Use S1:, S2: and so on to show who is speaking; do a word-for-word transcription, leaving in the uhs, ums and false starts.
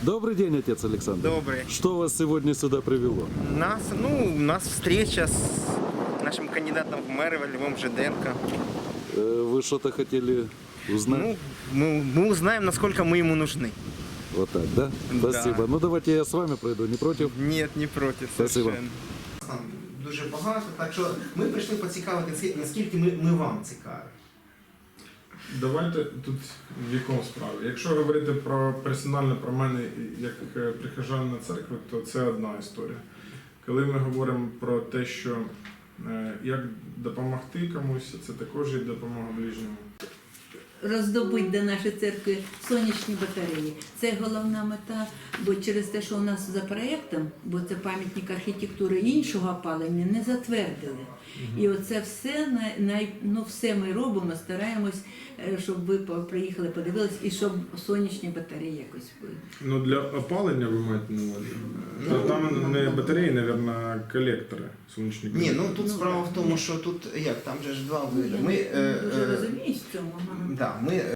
S1: Добрый день, отец Александр.
S2: Добрый.
S1: Что вас сегодня сюда привело?
S2: Нас, ну, у нас встреча с нашим кандидатом в мэры Львом Жиденко.
S1: Э, Вы что-то хотели узнать?
S2: Ну, мы, мы узнаем, насколько мы ему нужны.
S1: Вот так, да?
S2: Да.
S1: Спасибо. Ну давайте я с вами пройду, не против?
S2: Нет, не проти.
S1: Спасибо.
S2: Совершенно. Там дуже багато, так що ми прийшли поцікавити, наскільки ми, ми вам цікаві.
S3: Давайте тут в якому справі. Якщо говорити про персонально про мене як е, прихожанина церкви, то це одна історія. Коли ми говоримо про те, що е, як допомогти комусь, це також є допомога ближньому.
S4: Роздобуть до нашої церкви сонячні батареї. Це головна мета, бо через те, що у нас за проєктом, бо це пам'ятник архітектури, іншого опалення не затвердили. І оце все, най- най- ну, все ми робимо, стараємось, е, щоб ви по- приїхали, подивились, і щоб сонячні батареї якось були.
S3: Ну для опалення ви маєте на увазі? Та там не батареї, мабуть, колектори, сонячні
S2: Ні,
S3: колектори.
S2: ну тут справа в тому, що тут як, там же ж два види.
S4: Я
S2: Ми,
S4: не
S2: е,
S4: дуже
S2: е,
S4: розуміюсь в цьому. ага.
S2: да, ми